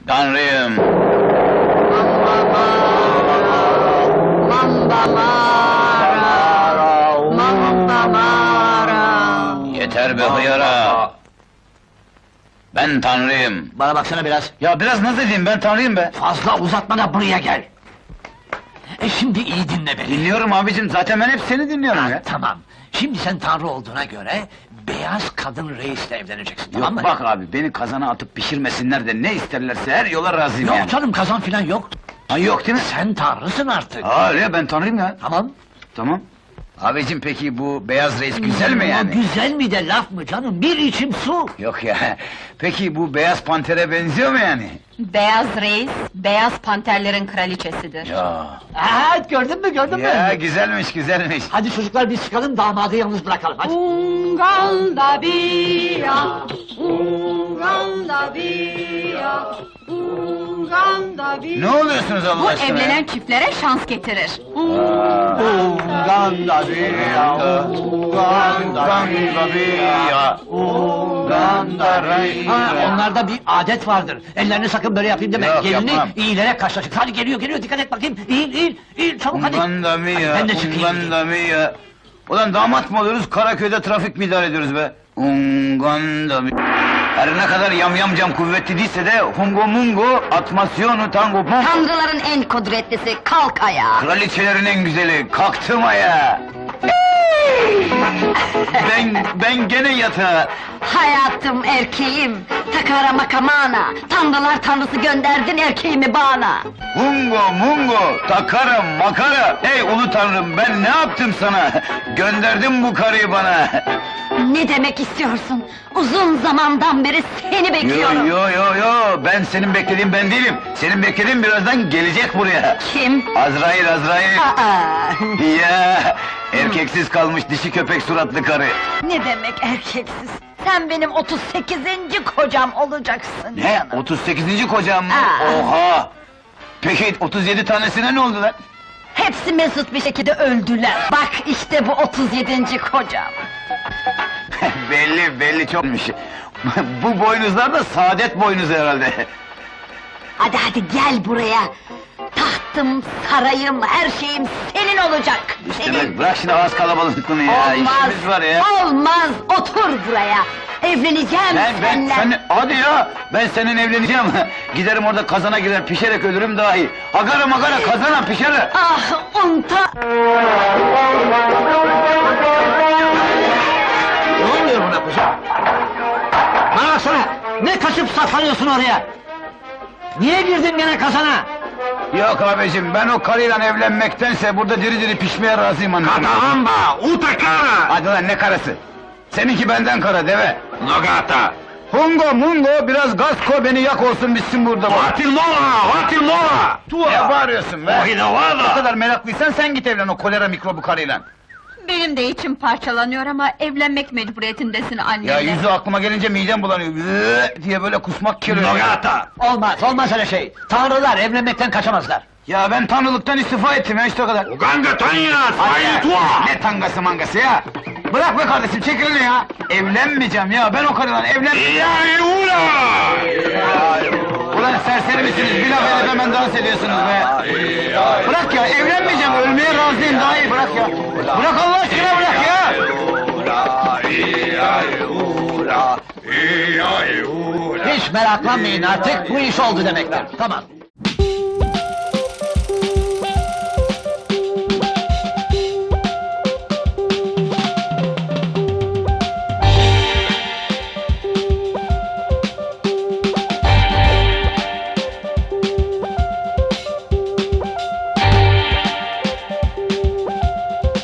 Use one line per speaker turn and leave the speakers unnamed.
Tanrıyım!
Mamba mara, mamba mara.
Yeter be hıyara! Ben Tanrıyım!
Bana baksana biraz.
Ya biraz naz edeyim, ben Tanrıyım be!
Fazla uzatma da buraya gel. Şimdi iyi dinle beni.
Dinliyorum abicim, zaten ben hep seni dinliyorum
Ha,
ya!
tamam. Şimdi sen tanrı olduğuna göre beyaz kadın reisle evleneceksin, tamam mı?
Yok bak abi, beni kazana atıp pişirmesinler de ne isterlerse her yola razıyım
Yok
yani!
canım, kazan filan yok.
Ha, yok değil mi?
Sen tanrısın artık.
Aa öyle, ben Tanrıyım ya!
Tamam.
Tamam! Abicim peki bu beyaz reis güzel mi
O
yani?
güzel mi de laf mı canım? Bir içim su.
Yok ya, peki bu beyaz pantere benziyor mu yani?
Beyaz reis, beyaz panterlerin kraliçesidir.
Ya!
Aa, gördün mü, gördün
Ya
mü?
güzelmiş, güzelmiş!
Hadi çocuklar biz çıkalım, damadı yalnız bırakalım, hadi.
Unganda bia, unganda bia, unganda bia.
Ne oluyorsunuz Allah
Bu
aşkına ya?
evlenen çiftlere şans getirir.
Uganda biya, Uganda biya, Uganda
Ha, onlarda bir adet vardır. Ellerini sakın böyle yapayım deme.
Yok,
Gelini
yapmam.
iyilere karşılaşık. Hadi geliyor, geliyor, dikkat et bakayım. İyi, çabuk hadi.
Uganda
Hadi,
biya,
ben de çıkayım.
Uganda biya. Ulan damat mı oluyoruz, Karaköy'de trafik mi idare ediyoruz be? Uganda biya. Her ne kadar yamyamcam kuvvetli değilse de Hungo Mungo, atmasyonu tango pum.
Tanrıların en kudretlisi, kalk ayağa!
Kraliçelerin en güzeli, kalktım aya! ben gene yatağa!
Hayatım, erkeğim, takara makamana, tanrılar tanrısı gönderdin erkeğimi bana!
Hungo mungo, takara makara! Ey ulu tanrım, ben ne yaptım sana? Gönderdin bu karıyı bana!
Ne demek istiyorsun? Uzun zamandan beri seni bekliyorum!
Yo, ben senin beklediğin ben değilim! Senin beklediğin birazdan gelecek buraya!
Kim?
Azrail!
Aa,
Ya! Erkeksiz kalmış dişi köpek suratlı karı!
ne demek erkeksiz? Sen benim 38. kocam olacaksın
Ne?
canım!
38. kocam mı?
Aa.
Oha! Peki 37 tanesine ne oldu lan?
Hepsi mesut bir şekilde öldüler! Bak işte bu 37. kocam!
belli çokmuş! Bu boynuzlar da saadet boynuzu herhalde!
Hadi gel buraya! Tahtım, sarayım, her şeyim senin olacak!
Demek bırak şimdi ağız kalabalıklığını ya, işimiz var ya!
Olmaz! Otur buraya! Evleneceğim seninle!
Hadi ya! Ben senin evleneceğim! Giderim orada kazana girer, pişerek ölürüm daha iyi! Agara magara kazana pişer!
Ah, unta!
Ne oluyor buna kuzum? Bana baksana! Ne kaçıp saklanıyorsun oraya? Niye girdin gene kazana?
Yok abicim, ben o karıyla evlenmektense burada diri diri pişmeye razıyım anladın mı?
Caramba, utakara!
Hadi lan ne karısı? Seninki benden kara deve!
Nogata!
Hungo mungo, biraz gaz koy beni yak olsun bitsin burada!
Vatil mola!
Ne bağırıyorsun be?
Ohinavada!
O kadar meraklıysan sen git evlen o kolera mikrobu karıyla!
Benim de içim parçalanıyor ama evlenmek mecburiyetindesin annemle.
Ya yüzü aklıma gelince midem bulanıyor, diye böyle kusmak geliyor!
Nogata!
Olmaz öyle şey. Tanrılar evlenmekten kaçamazlar.
Ya ben tanrılıktan istifa ettim ya işte o kadar!
Uganga Tanya,
Hadi ya,
Faitua!
ne tangası mangası ya! Bırak be kardeşim, çek elini ya! Evlenmeyeceğim ya, ben o karıyla evlenmeyeceğim!
Yayula!
Ulan serseri misiniz, bir laf edip hemen dans ediyorsunuz be! Bırak ya, evlenmeyeceğim, ölmeye razıyım daha iyi, bırak ya! Bırak Allah aşkına, bırak ya!
Hiç meraklanmayın artık, bu iş oldu demektir. Tamam.